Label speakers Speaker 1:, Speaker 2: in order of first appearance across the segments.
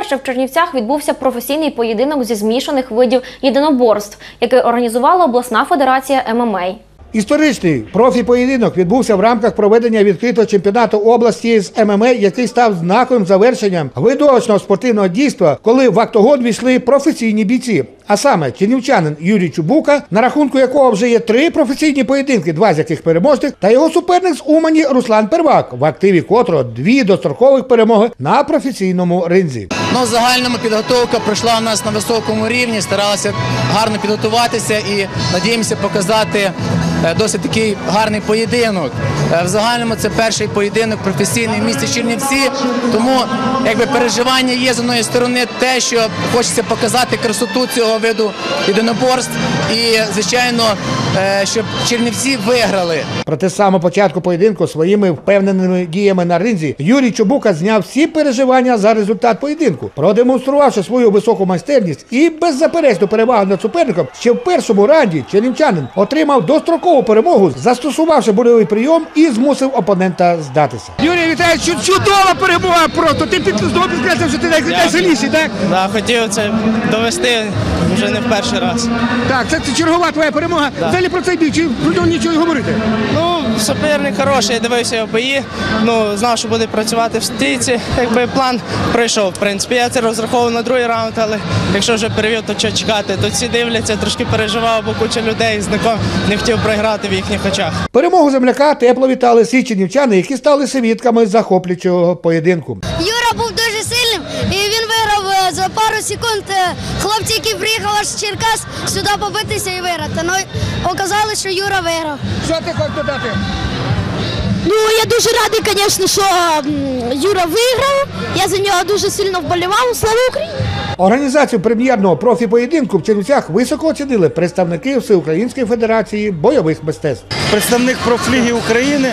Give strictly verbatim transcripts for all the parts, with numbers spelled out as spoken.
Speaker 1: Вперше в Чернівцях відбувся професійний поєдинок зі змішаних видів єдиноборств, який організувала обласна федерація ем ем а.
Speaker 2: Історичний профі-поєдинок відбувся в рамках проведення відкритого чемпіонату області з ем ем а, який став знаковим завершенням видовищного спортивного дійства, коли в октагон війшли професійні бійці. А саме чернівчанин Юрій Чубука, на рахунку якого вже є три професійні поєдинки, два з яких переможних, та його суперник з Умані Руслан Первак, в активі котрого дві дострокових перемоги на професійному ринзі.
Speaker 3: Ну, загальному підготовка пройшла у нас на високому рівні, старалися гарно підготуватися і надіємося показати досить такий гарний поєдинок. В загальному це перший поєдинок професійний в місті Чернівці, тому якби переживання є з одної сторони те, що хочеться показати красоту цього виду єдиноборств і, звичайно, щоб Чернівці виграли.
Speaker 2: Проте з самого початку поєдинку своїми впевненими діями на ринзі Юрій Чубука зняв всі переживання за результат поєдинку, продемонструвавши свою високу майстерність і беззаперечну перевагу над суперником. Ще в першому раунді чернівчанин отримав дострокову перемогу, застосувавши бойовий прийом і змусив опонента здатися.
Speaker 4: Юрій, вітаю, чудова перемога просто. Ти знову підкреслив, що ти найсильніший, так?
Speaker 5: Так, хотів це довести вже не в перший раз.
Speaker 4: Так, це чергова твоя перемога.
Speaker 5: Да.
Speaker 4: Взагалі про цей бій, чи про нього нічого й говорити?
Speaker 5: Ну, суперник хороший, я дивився його бої, ну, знав, що буде працювати в стійці. Якби план пройшов, в принципі. Я це розраховував на другий раунд, але якщо вже перевів, то що чекати? Тут всі дивляться, трошки переживав, бо куча людей з ником не хотів програти в їхніх очах.
Speaker 2: Перемогу земляка тепло вітали всі чернівчани, які стали свідками захоплюючого поєдинку.
Speaker 6: Юра був дуже сильним і він виграв за пару секунд. Хлопці, які приїхали аж з Черкас, сюди побитися і виграти. Ну, оказалось, що Юра виграв.
Speaker 4: Що ти хочеш додати?
Speaker 6: Ну, я дуже радий, звісно, що Юра виграв. Я за нього дуже сильно вболівав. Слава Україні!
Speaker 2: Організацію прем'єрного профі-поєдинку в Чернівцях високо оцінили представники Всеукраїнської федерації бойових мистецтв.
Speaker 7: Представник профліги України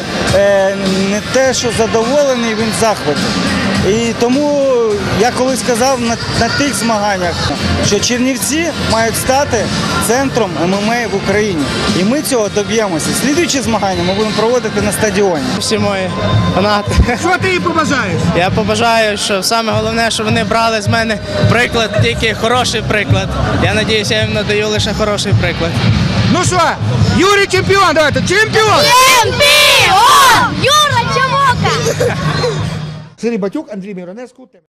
Speaker 7: не те, що задоволений, він в захваті. І тому я колись казав на, на тих змаганнях, що Чернівці мають стати центром ем ем а в Україні. І ми цього доб'ємося. Слідуючі змагання ми будемо проводити на стадіоні.
Speaker 5: Всі мої фанати.
Speaker 4: Що ти їм побажаєш?
Speaker 5: Я побажаю, що саме головне, що вони брали з мене приклад, тільки хороший приклад. Я сподіваюся, я їм надаю лише хороший приклад.
Speaker 4: Ну що, Юрій чемпіон, давайте, чемпіон!
Speaker 6: Чемпіон! Юра Чумука!
Speaker 2: Сергій Батюк, Андрій Міронеску.